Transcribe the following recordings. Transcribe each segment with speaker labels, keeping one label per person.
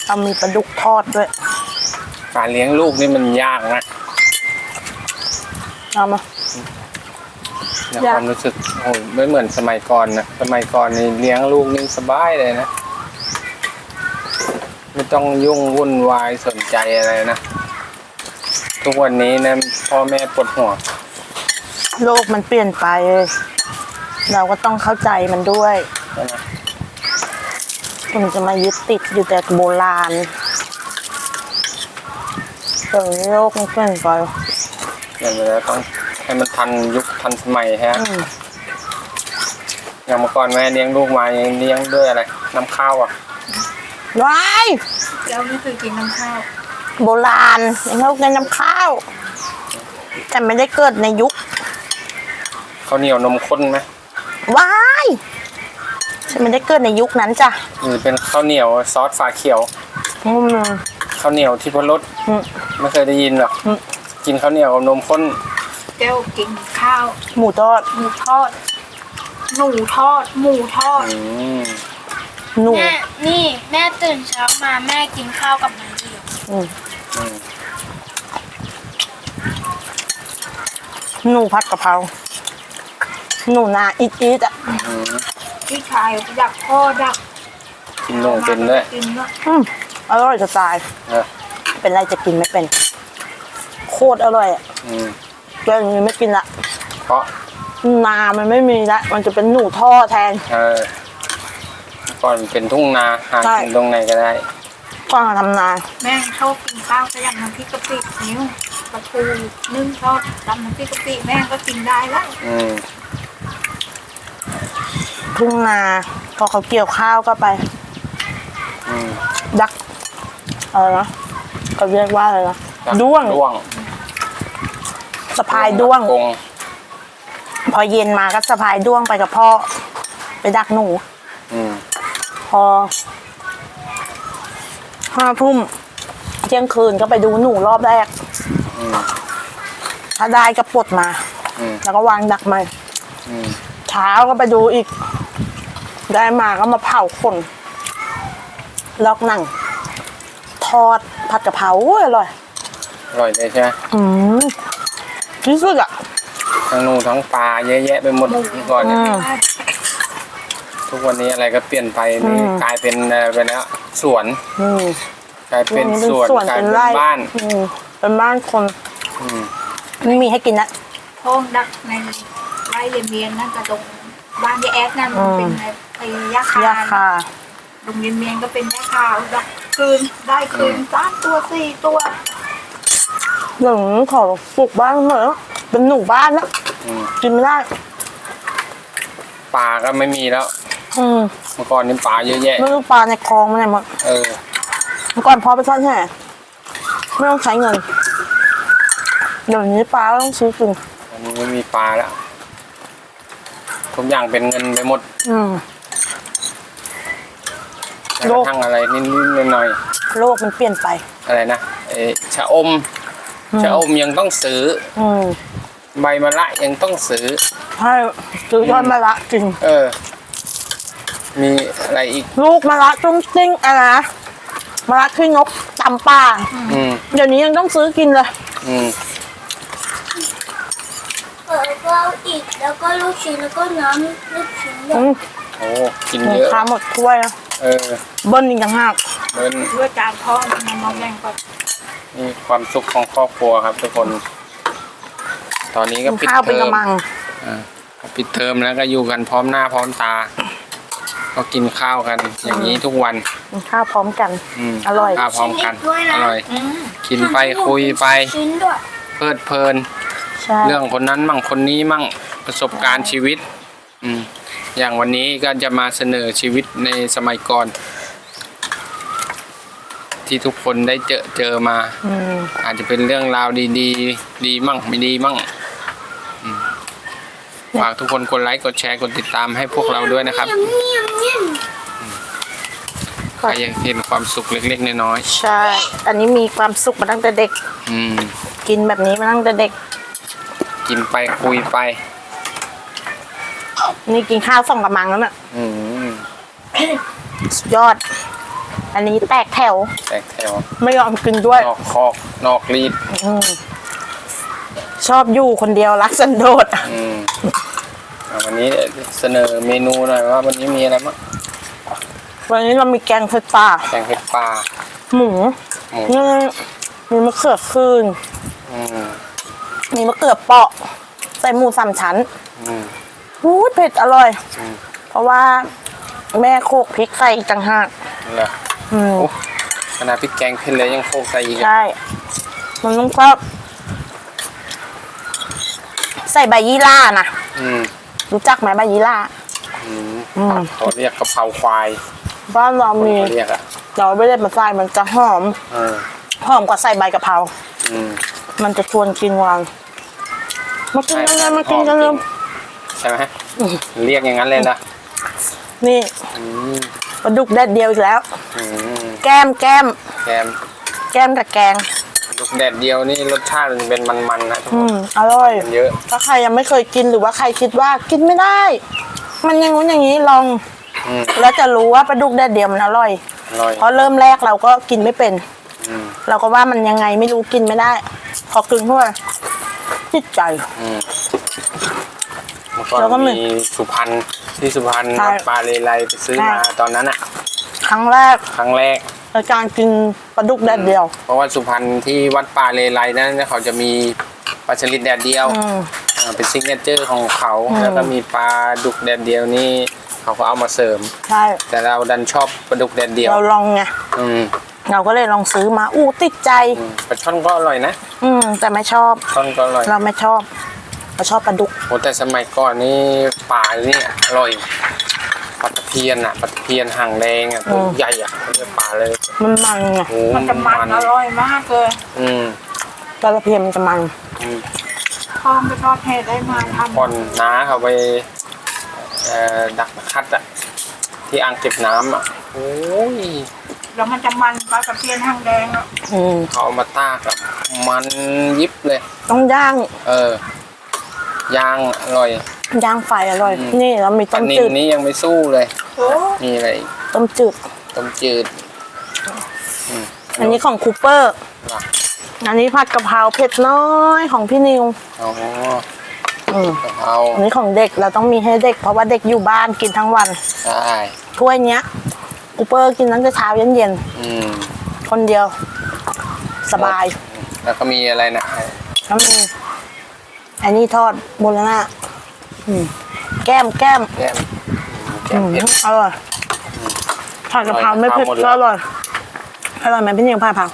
Speaker 1: เอามีปลาดุกทอดด้วย
Speaker 2: การเลี้ยงลูกนี่มันยากนะ
Speaker 1: เอามา
Speaker 2: ในความรู้สึกโอ้ไม่เหมือนสมัยก่อนนะสมัยก่อนนี่เลี้ยงลูกนี่สบายเลยนะไม่ต้องยุ่งวุ่นวายสนใจอะไรนะทุกวันนี้นะพ่อแม่ปวดหัว
Speaker 1: โลกมันเปลี่ยนไปเราก็ต้องเข้าใจมันด้วยมันจะมายึดติดอยู่แต่โบราณแต่โลกมันเปลี่ยนไป
Speaker 2: อย่างนี้ต้องให้มันทันยุคทันสมัยฮะอย่างเมื่อก่อนแม่เลี้ยงลูกมาเลี้ยงด้วยอะไรน้ำข้าวอ่ะ
Speaker 1: ว้าย
Speaker 3: เราไม่เคยกินน้ำข้าว
Speaker 1: โบราณเรากินน้ำข้าวแต่ไม่ได้เกิดในยุค
Speaker 2: ข้าวเหนียวนมข้นไหม
Speaker 1: ว้ายฉันไม่ได้เกิดในยุคนั้นจ้ะ
Speaker 2: เป็นข้าวเหนียวซอสฝาเขียวข้าวเหนียวที่พรสไม่เคยได้ยินหรอกกินข้าวเหนียวกับนมข้น
Speaker 3: แก้วกินข้าว
Speaker 1: หมูทอด
Speaker 3: หมูทอดหนูทอดหมูทอด
Speaker 1: หนู
Speaker 3: แม่นี่แม่ตื่นเช้ามาแม่กินข้าวกับน้ำเดียว
Speaker 1: หนูผัดกะเพราหนูนาอีดอ่ะ
Speaker 3: พี่ชายอยากพ่อดัก
Speaker 2: กินหนูเป็นด้วย
Speaker 1: อร่อยจะตายเป็นไรจะกินไม่เป็นโคตรอร่อยอ่ะเรื่องนี้ไม่กินละ
Speaker 2: เพราะ
Speaker 1: นามันไม่มีละมันจะเป็นหนูท่อแทน
Speaker 2: ก่อนเป็นทุ่งนาหากินตรงไหนก็ได้
Speaker 1: ก่อนทำนา
Speaker 3: แม่ชอบกินข้าวก็ยังน้ำพริกกะปินิ้วปลาทูนึ่งทอดตำน้ำพริกกะปิแม่ก็กินได้แล้ว
Speaker 1: ทุ่งนาพอเขาเกี่ยวข้าวก็ไปดักอะไรนะเขาเรียกว่าอะไรนะด้วงสะพายด้วงพอเย็นมาก็สะพายด้วงไปกับพ่อไปดักหนูพอ5 ทุ่มเที่ยงคืนก็ไปดูหนูรอบแรกถ้าได้ก็ปลดมาแล้วก็วางดักใหม่เช้าก็ไปดูอีกได้มาก็มาเผาคนลอกหนังทอดผัดกะเพราอร่อย
Speaker 2: เลยใช่ไหม
Speaker 1: ที่สุดอ่ะ
Speaker 2: ทั้งหนูทั้งปลาเยอะแยะไปหมดก่อนทุกวันนี้อะไรก็เปลี่ยนไปนี่กลายเป็นไปแล้วสวนกลายเป็นสวนกลายเป็นบ้าน
Speaker 1: เป็นบ้านคนไม่มีให้กินนะ
Speaker 3: ท้องดักในไร่เรียนนั่นกระตรงบ้านยายแอดนั่นเป็นไอ้ยาคาโรงเรียนเมียนก็เป็นยาคาดักคืนได้คืน3 ตัว 4 ตัว
Speaker 1: อย่างขอปลูกบ้านเหรอเป็นหนูบ้านแล้วกินไม่ได้
Speaker 2: ปลาก็ไม่มีแล้วเมื่อก่อนนี่ปลาเยอะแยะ
Speaker 1: ไม่รู้ปลาในคลองมันไหนหมดเมื่อก่อนพอไปทอดแห่ไม่ต้องใช้เงินเดี๋ยวนี้ปลาต้องซื้อกิน
Speaker 2: อันนี้ไม่มีปลาแล้วทุกอย่างเป็นเงินไปหมดโลกทั้งอะไรนิดๆหน่อย
Speaker 1: โลกมันเปลี่ยนไป
Speaker 2: อะไรนะชะอมยังต้องซื้อใบมะระยังต้องซื้อ
Speaker 1: ใช่ซื้อยอดมะระจริง
Speaker 2: มีอะไรอีก
Speaker 1: ลูกมะระจุ้งจิ้งอะไรนะมะระขี้นกตำป่าเดี๋ยวนี้ยังต้องซื้อกินเลย
Speaker 3: ก็อีกแล้วก็ลูกชิ้นแล้วก็น้ำลูกชิ้น
Speaker 2: โอ้กินเยอะ
Speaker 1: ข้าหมดถ้วยนะเบิ้ลอีกต่างหาก
Speaker 2: เบิ้ล
Speaker 3: ด้วยจานพ่อมาแบ่งก่อน
Speaker 2: นี่ความสุขของครอบครัวครับทุกคนตอนนี้ก็ปิดเทอมปิดเทอมแล้วก็อยู่กันพร้อมหน้าพร้อมตาก็กินข้าวกันอย่างนี้ทุกวัน
Speaker 1: กินข้าวพร้อมกันอร่อย
Speaker 2: ข้าวพร้อมกันอร่อยกินไปคุยไปเพลิดเพลินเรื่องคนนั้นมั่งคนนี้มั่งประสบการณ์ชีวิตอย่างวันนี้ก็จะมาเสนอชีวิตในสมัยก่อนที่ทุกคนได้เจอมาอาจจะเป็นเรื่องราวดีมั่งไม่ดีมั่งฝากทุกคนกดไลค์กดแชร์กดติดตามให้พวกเราด้วยนะครับใครยังเห็นความสุขเล็กๆน้อย
Speaker 1: ๆใช่อันนี้มีความสุขมาตั้งแต่เด็กกินแบบนี้มาตั้งแต่เด็ก
Speaker 2: กินไปคุยไป
Speaker 1: นี่กินข้าว2 กะมังแล้วน่ะสุดยอดอันนี้แตกแถว
Speaker 2: แตกแถว
Speaker 1: ไม่ยอมกินด้วย
Speaker 2: นอกคอกนอกรีด
Speaker 1: ชอบอยู่คนเดียวรักสันโดษ
Speaker 2: วันนี้เสนอเมนูหน่อยว่าวันนี้มีอะไรบ้าง
Speaker 1: วันนี้เรามีแกงเผ็ดปลา
Speaker 2: แกงเผ็ดปลา
Speaker 1: หมูมีมะเขือคืน
Speaker 2: อืม
Speaker 1: มีมะเขือเปาะใส่หมูสามชั้น
Speaker 2: อืม
Speaker 1: เผ็ดอร่อย
Speaker 2: อืม
Speaker 1: เพราะว่าแม่โขลกพริกใส่อีกต่างหาก
Speaker 2: เหรอโอ้ขนาดพริกแกงเผ็ดเลยยังโคกใส่อีก
Speaker 1: ใช่ มันต้องชอบใส่ใบยี่ล่านะ
Speaker 2: อืม
Speaker 1: รู้จักไหมใบยี่ล่า
Speaker 2: เขาเรียกกะเพราควาย
Speaker 1: บ้านเรามี
Speaker 2: เขาเรียกอ่ะ
Speaker 1: เราไม่ได้มาใส่มันจะหอม หอมกว่าใส่ใบกะเพรา
Speaker 2: อืม
Speaker 1: มันจะชวนกินวางมากินกันเลยมากินกันเลย
Speaker 2: ใช่ไหมเรียกอย่างนั้นเลยนะ
Speaker 1: นี่
Speaker 2: อืม
Speaker 1: ปลาดุกแดดเดียวอีกแล้ว
Speaker 2: อืม
Speaker 1: แก้ม
Speaker 2: แกม
Speaker 1: กับแกง
Speaker 2: ลูกแดดเดียวนี่รสชาติมันเป็นมันๆนะทุกคน
Speaker 1: อร่อย
Speaker 2: มันเยอะ
Speaker 1: ถ้าใครยังไม่เคยกินหรือว่าใครคิดว่ากินไม่ได้ มันอยังงู้นอย่างนี้ลอง แล้วจะรู้ว่าปลาดุกแดดเดียวมันอร่อย
Speaker 2: อร่อย
Speaker 1: เพราะเริ่มแรกเราก็กินไม่เป็น
Speaker 2: อืม
Speaker 1: เราก็ว่ามันยังไงไม่รู้กินไม่ได้ พอกินเข้าไปจิตใจ
Speaker 2: เมื่อก่อน
Speaker 1: แล้วก็มี
Speaker 2: มีสุพรรณที่สุพรรณ
Speaker 1: ใช่
Speaker 2: ปลาเลไลไปซื้อมา
Speaker 1: ใช่
Speaker 2: ตอนนั้นอ่ะ
Speaker 1: ครั้งแรก
Speaker 2: ครั้งแรก
Speaker 1: ในการกินปลาดุกแดดเดียว
Speaker 2: เพราะว่าสุพรรณที่วัดป่าเลไลนั้นเขาจะมีปลาสลิดแดดเดียวเป็นซิกเนเจอร์ของเขา แล้วก็มีปลาดุกแดดเดียวนี่เขาก็เอามาเสริม
Speaker 1: ใช่
Speaker 2: แต่เราดันชอบปลาดุกแดดเดียว
Speaker 1: เราลองไง
Speaker 2: อืม
Speaker 1: เราก็เลยลองซื้อมาติดใจ
Speaker 2: ปลาช่อนก็อร่อยนะ
Speaker 1: แต่ไม่ชอบ
Speaker 2: ช่อนก็อร่อย
Speaker 1: เราไม่ชอบเราชอบปลาดุก
Speaker 2: โอ้แต่สมัยก่อนนี่ปลานี่อร่อยปลาตะเพียนอ่ะปลาตะเพียนหางแดงอ่ะตัวใหญ่อ่ะเขาเรียกปลาเลย
Speaker 1: มันมันไง
Speaker 2: โอ้
Speaker 3: มันจะมันอร่อยมากเลย
Speaker 2: อืม
Speaker 1: ปลาตะเพียนมันจะมัน
Speaker 3: พ่อไปทอดเห็ดได้มาทำ
Speaker 2: ก่อนน้าเขาไปดักคัดอ่ะที่อ่างเก็บน้ำอ่ะโอ้ย
Speaker 3: แล้วมันจะมันปลาตะเพียนหางแดงอ่ะ
Speaker 2: เขาเอามาตากอ่ะมันยิบเลย
Speaker 1: ต้องย่าง
Speaker 2: ย่างอร่อย
Speaker 1: ย่างไฟอร่อย นี่เรามี
Speaker 2: ป
Speaker 1: ต้
Speaker 2: ลาม นิล
Speaker 1: จืด
Speaker 2: นี่ยังไม่สู้เลย
Speaker 3: โอ้
Speaker 2: มีอะไรอีก
Speaker 1: ต้มจืด
Speaker 2: ต้มจืด
Speaker 1: อันนี้ของคูเปอร์
Speaker 2: ว่ะ
Speaker 1: อันนี้ผัดกะเพราเผ็ดน้อยของพี่นิว
Speaker 2: อ๋อกะเพรา
Speaker 1: อันนี้ของเด็กเราต้องมีให้เด็ก เพราะว่าเด็กอยู่บ้านกินทั้งวัน
Speaker 2: ใช่
Speaker 1: ถ้วยเนี้ยคูเปอร์กินตั้งแต่เช้าเย็น
Speaker 2: อืม
Speaker 1: ๆคนเดียว สบาย
Speaker 2: แล้วก็มีอะไรนะ
Speaker 1: แล้วมีอันนี้ทอดโบราณแก้ม
Speaker 2: แก้มเผ็ด
Speaker 1: อร่อยผัดกะเพราไม่เผ็ด
Speaker 2: หมดแล้ว
Speaker 1: ก็อร่อยอร่อยไหมพี่นิวผัดกะเพรา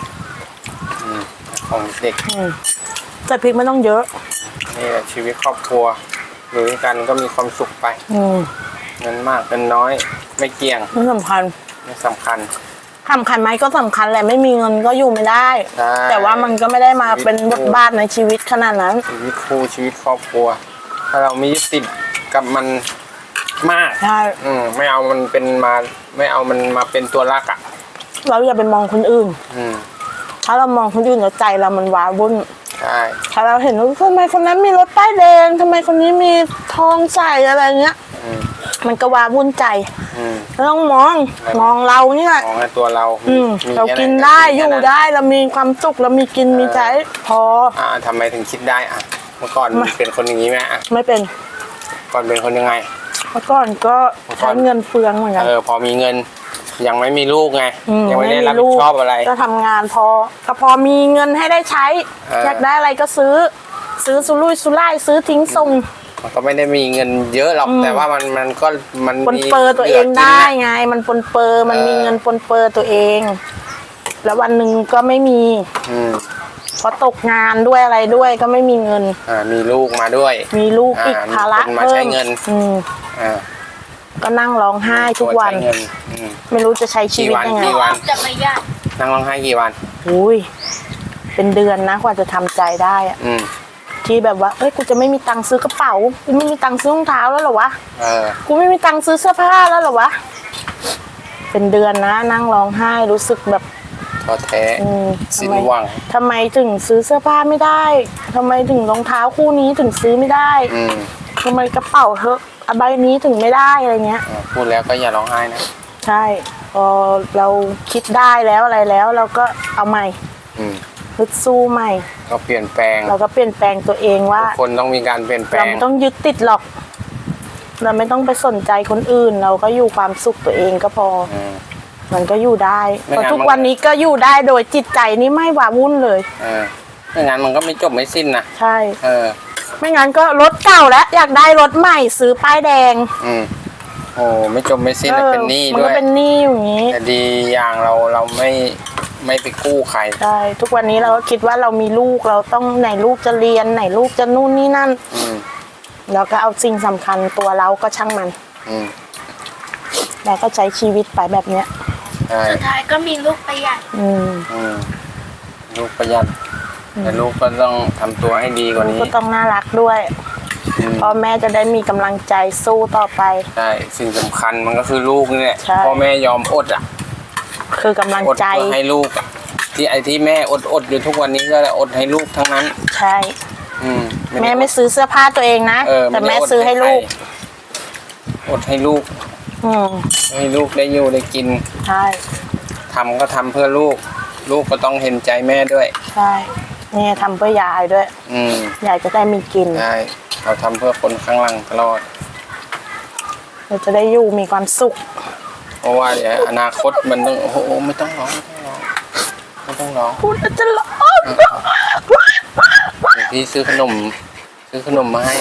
Speaker 2: ของเด็ก
Speaker 1: แต่พริกไม่ต้องเยอะ
Speaker 2: นี่แหละชีวิตครอบครัวอยู่ด้วยกันก็มีความสุขไปเงินมากเงินน้อย ไม่เกี่ยง
Speaker 1: ไม่สำคัญ
Speaker 2: ไม่สำคัญ
Speaker 1: สำคัญไหมก็สำคัญแหละไม่มีเงินก็อยู่ไม่ได้
Speaker 2: ใช่
Speaker 1: แต่ว่ามันก็ไม่ได้มาเป็นบทบาทในชีวิตขนาดนั้น
Speaker 2: ชีวิตคู่ชีวิตครอบครัว ถ้าเราไม่ยึดติดกับมันมาก
Speaker 1: ใช่
Speaker 2: ไม่เอามันเป็นมาไม่เอามันมาเป็นตัวรักอ่ะ
Speaker 1: เราอย่าไปมองคนอื่น
Speaker 2: อืม
Speaker 1: ถ้าเรามองคนอื่นแล้วใจเรามันว้าวุ่น
Speaker 2: ใช่
Speaker 1: ถ้าเราเห็นว่าทำไมคนนั้นมีรถป้ายแดงทำไมคนนี้มีทองใส่อะไรเงี้ย มันก็ว้าวุ่นใจเราต้องมองเราเนี่ย
Speaker 2: มองในตัวเรามี
Speaker 1: เรา
Speaker 2: แค่ห
Speaker 1: กินได้
Speaker 2: มี
Speaker 1: อยู่
Speaker 2: แค่นั้น
Speaker 1: ได้เรามีความสุขเรามีกินมีใช้พอ
Speaker 2: ทำไมถึงคิดได้อ่ะ เมื่อก่อนเป็นคนอย่างนี้ไหมอ่ะ
Speaker 1: ไม่เป็น
Speaker 2: ก่อนเป็นคนยังไง
Speaker 1: เมื่อก่อนก็ใช้เงินเฟืองเหมือนกัน
Speaker 2: พอมีเงินยังไม่มีลูกไง ยังไม่ได้รับ
Speaker 1: ลู
Speaker 2: ผิ
Speaker 1: ก
Speaker 2: ดชอบอะไร
Speaker 1: ก็ทำงานก็พอมีเงินให้ได้ใช้ อยากได้อะไรก็ซื้อสุรุ่ยสุร่ายซื้อทิ้งส่ง
Speaker 2: มันก็ไม่ได้มีเงินเยอะหรอกแต่ว่ามันก็มัน
Speaker 1: ปน
Speaker 2: มี
Speaker 1: เปอร์ตัวเอง
Speaker 2: หลืกิน
Speaker 1: ได้
Speaker 2: น่ะ
Speaker 1: ไง มันปนเปอร์มันมีเงินปนเปอร์ตัวเอง แล้ววันหนึ่งก็ไม่มี เพราะตกงานด้วยอะไรด้วยก็ไม่มีเงิน
Speaker 2: มีลูกมาด้วย
Speaker 1: มีลูกอีกภาระ
Speaker 2: มีคนมา
Speaker 1: เพิ่
Speaker 2: ใช้
Speaker 1: ม
Speaker 2: เงิน
Speaker 1: ก็นั่งร้องไห้ทุกวัน
Speaker 2: ใช้เงิน
Speaker 1: ไม่รู้จะใช้ชีวิตยังไง
Speaker 2: กี่วัน
Speaker 3: จะไม่ยาก
Speaker 2: นั่งร้องไห้กี่วัน
Speaker 1: อุ้ยเป็นเดือนนะกว่าจะทำใจได้อะ ที่แบบว่าเอ้ยกูจะไม่มีตังค์ซื้อกระเป๋ากูไม่มีตังค์ซื้อรองเท้าแล้วเหรอวะกูไม่มีตังค์ซื้อเสื้อผ้าแล้วเหรอวะเป็นเดือนนะนั่งร้องไห้รู้สึกแบบ
Speaker 2: ท้อแท้สิ้นหวัง
Speaker 1: ทำไมถึงซื้อเสื้อผ้าไม่ได้ทำไมถึงรองเท้าคู่นี้ถึงซื้อไม่ได้ทำไมกระเป๋าเธอใบนี้ถึงไม่ได้อะไรเงี้ย
Speaker 2: พูดแล้วก็อย่าร้องไห้นะ
Speaker 1: ใช่อเราคิดได้แล้วอะไรแล้ว เราก็เอาใหม่
Speaker 2: อืม
Speaker 1: ฮึดสู้ใหม่
Speaker 2: ก็เปลี่ยนแปลง
Speaker 1: เราก็เปลี่ยนแปลงตัวเองว่า
Speaker 2: ทุกคนต้องมีการเปลี่ยนแปล
Speaker 1: เรา
Speaker 2: ง
Speaker 1: ไม่ต้องยึดติดหรอก เราไม่ต้องไปสนใจคนอื่น เราก็อยู่ความสุขตัวเองก็พอ
Speaker 2: อืม
Speaker 1: มันก็อยู่ได้
Speaker 2: ไม่
Speaker 1: เพราะ
Speaker 2: งั้น
Speaker 1: ทุก
Speaker 2: มัน
Speaker 1: วันนี้ก็อยู่ได้โดยจิตใจนี่ไม่หวาวุ่นเลย
Speaker 2: ไม่งั้นมันก็ไม่จบไม่สิ้นนะ
Speaker 1: ใช่ ไม่งั้นก็รถเก่าแล้วอยากได้รถใหม่ซื้อป้ายแดง
Speaker 2: อืมโอ้ไม่จบไม่สิ้นเลยเป็นหนี้
Speaker 1: มัน
Speaker 2: ด้
Speaker 1: ก็
Speaker 2: วย
Speaker 1: เป็นหนี้อย่างนี้
Speaker 2: แต่ดีอย่างเราไม่ไปกู้ใคร
Speaker 1: ใช่ทุกวันนี้เราก็คิดว่าเรามีลูกเราต้องไหนลูกจะเรียนไหนลูกจะนู่นนี่นั่น
Speaker 2: อืม
Speaker 1: เราก็เอาสิ่งสำคัญตัวเราก็ช่างมัน
Speaker 2: อืม
Speaker 1: เราก็ใช้ชีวิตไปแบบเนี้ย
Speaker 2: ใช่
Speaker 3: สุดท้ายก็มีลูกประหยัด
Speaker 1: อืม
Speaker 2: อืมลูกประหยัดแต่ลูกก็ต้องทำตัวให้ดีกว่านี้
Speaker 1: ก็ต้องน่ารักด้วย
Speaker 2: อืม
Speaker 1: พ่อแม่จะได้มีกำลังใจสู้ต่อไป
Speaker 2: ใช่สิ่งสำคัญมันก็คือลูกนี่แหละ
Speaker 1: ใช่
Speaker 2: พ่อแม่ยอมอดอ่ะ
Speaker 1: คือกำลัง
Speaker 2: อด
Speaker 1: ใจ
Speaker 2: เพื่อให้ลูกอะที่แม่อดอยู่ทุกวันนี้ก็อดให้ลูกทั้งนั้น
Speaker 1: ใช่
Speaker 2: อืม
Speaker 1: แม่ไม่ซื้อเสื้อผ้าตัวเองนะ แต่
Speaker 2: ไได้
Speaker 1: แม่ซื้อให้ลูก
Speaker 2: อดให้ลูก
Speaker 1: อืม
Speaker 2: ให้ลูกได้อยู่ได้กิน
Speaker 1: ใช่
Speaker 2: ทำก็ทำเพื่อลูก ลูกก็ต้องเห็นใจแม่ด้วย
Speaker 1: ใช่เนี่ยทำเพื่อยายด้วย
Speaker 2: อืม
Speaker 1: ยายจะได้มีกิน
Speaker 2: ใช่เราทำเพื่อคนข้างหลังตลอด
Speaker 1: เราจะได้อยู่มีความสุข
Speaker 2: เพราะว่าเดี๋ยวอนาคตมันต้องโอ้โหไม่ต้องร้องไม่ต้องร้อง
Speaker 1: พูดแล้วจะร้อง
Speaker 2: เดี๋ยวพี่ซื้อขนมมาให้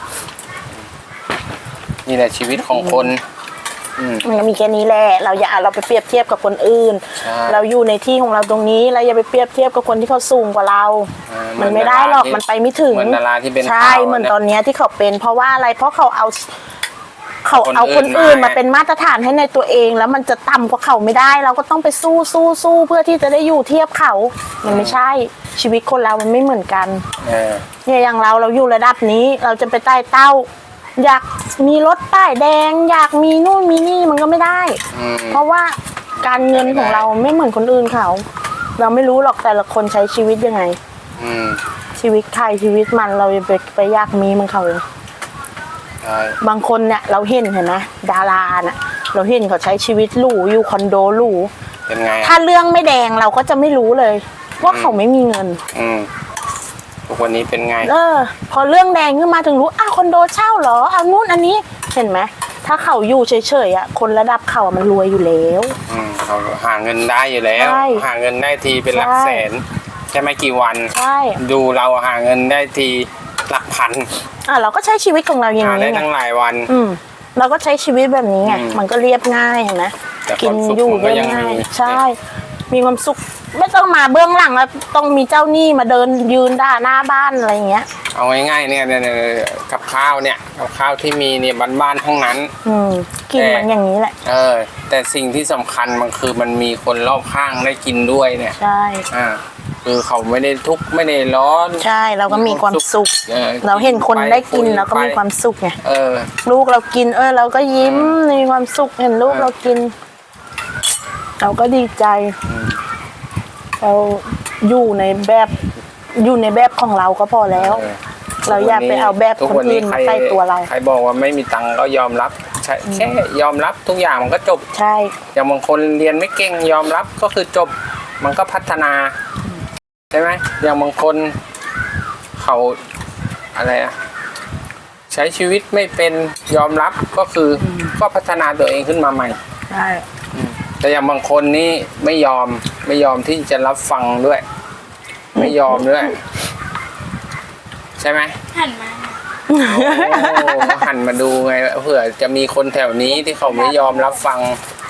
Speaker 2: นี่แหละชีวิตของคน อืม
Speaker 1: มันก็มีแค่นี้แหละเราอย่าเราไปเปรียบเทียบกับคนอื่น
Speaker 2: ใช่
Speaker 1: เราอยู่ในที่ของเราตรงนี้เราอย่าไปเปรียบเทียบกับคนที่เขาสูงกว่าเรา มันไม่ได้หรอกมันไปไม่ถึง
Speaker 2: เหมือนดาราที่เป็น
Speaker 1: ใช่
Speaker 2: ข่าว
Speaker 1: เหมือน
Speaker 2: นะ
Speaker 1: ตอนเนี้ยที่เขาเป็น เพราะว่าอะไรเพราะเขาเอา
Speaker 2: คน
Speaker 1: คน
Speaker 2: อื่
Speaker 1: อื่
Speaker 2: น
Speaker 1: น
Speaker 2: มา
Speaker 1: มาเป็นมาตรฐานให้ในตัวเอง แล้วมันจะต่ำกว่าเขาไม่ได้ เราก็ต้องไปสู้เพื่อที่จะได้อยู่เทียบเขา มันไม่ใช่ชีวิตคนเรามันไม่เหมือนกัน
Speaker 2: เออ
Speaker 1: เนี่ยอย่างเราอยู่ระดับนี้เราจะไปใต้เต้า อยากมีรถป้ายแดง อยากมีนู่นมีนี่มันก็ไม่ได้
Speaker 2: อืม
Speaker 1: เพราะว่าการเงินของเราไม่เหมือนคนอื่นเขา เราไม่รู้หรอกแต่ละคนใช้ชีวิตยังไง
Speaker 2: อืม
Speaker 1: ชีวิตใครชีวิตมันเราจะไปอยากมีเหมันเขาเลย
Speaker 2: ใช่
Speaker 1: บางคนเนี่ยเราเห็นไหมดาราน่ะเราเห็นเขาใช้ชีวิตหรูอยู่คอนโดหรู
Speaker 2: เป็นไง
Speaker 1: ถ้าเรื่องไม่แดงเราก็จะไม่รู้เลย ว่าเขาไม่มีเงิน
Speaker 2: อืมทุกวันนี้เป็นไง
Speaker 1: พอเรื่องแดงขึ้นมาถึงรู้อ้าวคอนโดเช่าเหรอเอานู่นอันนี้เห็นไหมถ้าเขาอยู่เฉยๆอ่ะคนระดับเขาอะมันรวยอยู่แล้ว
Speaker 2: เราหาเงินได้อยู่แล้ว
Speaker 1: ใช่
Speaker 2: หาเงินได้ทีเป็นหลัก
Speaker 1: ใช่
Speaker 2: แสนใช่ไหมกี่วัน
Speaker 1: ใช่
Speaker 2: ดูเราหาเงินได้ทีหลักพัน
Speaker 1: เราก็ใช้ชีวิตของเราอย่าง
Speaker 2: หาได้
Speaker 1: นี้ไง
Speaker 2: ทั้งหลายวัน
Speaker 1: เราก็ใช้ชีวิตแบบนี้ไง
Speaker 2: อืม
Speaker 1: มันก็เรียบง่ายเห็นไหม
Speaker 2: แต่ค
Speaker 1: กิ
Speaker 2: วามสุข
Speaker 1: อยู่
Speaker 2: มันก็
Speaker 1: เรีย
Speaker 2: ยั
Speaker 1: บ
Speaker 2: ง
Speaker 1: ง่าย
Speaker 2: มี
Speaker 1: ใช่ มีความสุขไม่ต้องมาเบื้องหลังแล้วต้องมีเจ้าหนี้มาเดินยืนด่าหน้าบ้านอะไรอย่างเงี้ย
Speaker 2: เอาง่ายๆเนี่ยกับข้าวเนี่ยกับข้าวที่มีเนี่ยบ้านๆทั้งนั้น
Speaker 1: กินมันอย่างนี้แหละ
Speaker 2: แต่สิ่งที่สำคัญมันคือมันมีคนรอบข้างได้กินด้วยเนี่ย
Speaker 1: ใช่
Speaker 2: คือเขาไม่ได้ทุกข์ไม่ได้ร้อน
Speaker 1: ใช่เราก็มีความสุข
Speaker 2: ออ
Speaker 1: เราเห็นคนได้กิน
Speaker 2: ไป
Speaker 1: เราก็มีความสุขไง
Speaker 2: เออ
Speaker 1: ลูกเรากินเราก็ยิ้มมีความสุขเห็นลูกเรากิน เราก็ดีใจ เราอยู่ในแบบของเราก็พอแล้ว เราอย่าไปเอาแบบคนอื่นมาใส่ตัวเรา
Speaker 2: ใครบอกว่าไม่มีตังค์ก็ยอมรับแค่ยอมรับทุกอย่างมันก็จบ
Speaker 1: ใช่
Speaker 2: อย่างบางคนเรียนไม่เก่งยอมรับก็คือจบ มันก็พัฒนาใช่ไหมอย่างบางคนเขาอะไรอะใช้ชีวิตไม่เป็นยอมรับก็คือก็พัฒนาตัวเองขึ้นมาใหม่
Speaker 1: ใช่
Speaker 2: แต่อย่างบางคนนี่ไม่ยอมที่จะรับฟังด้วย ไม่ยอมด้วย ใช่ไหม
Speaker 3: หันมา
Speaker 2: โอ้หันมาดูไงเผื่อจะมีคนแถวนี้ที่เขาไม่ยอมรับฟัง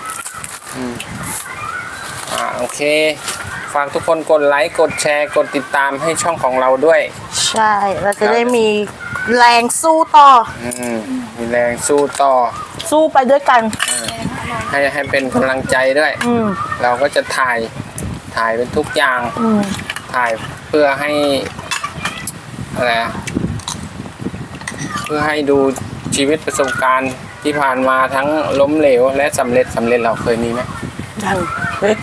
Speaker 2: โอเค ฝากทุกคนกดไลค์กดแชร์กดติดตามให้ช่องของเราด้วย
Speaker 1: ใช่เราจะได้มีแรงสู้ต่อ
Speaker 2: มีแรงสู้ต่อ
Speaker 1: สู้ไปด้วยกัน
Speaker 2: ให้เป็นกำลังใจด้วย เราก็จะถ่ายเป็นทุกอย่าง ถ่ายเพื่อให้อะไรเพื่อให้ดูชีวิตประสบการณ์ที่ผ่านมาทั้งล้มเหลวและสำเร็จเราเคยมีไหม
Speaker 1: ยัง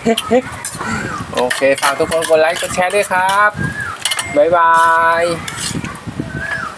Speaker 2: โอเคฝากทุกคนกดไลค์กดแชร์ด้วยครับบ๊ายบาย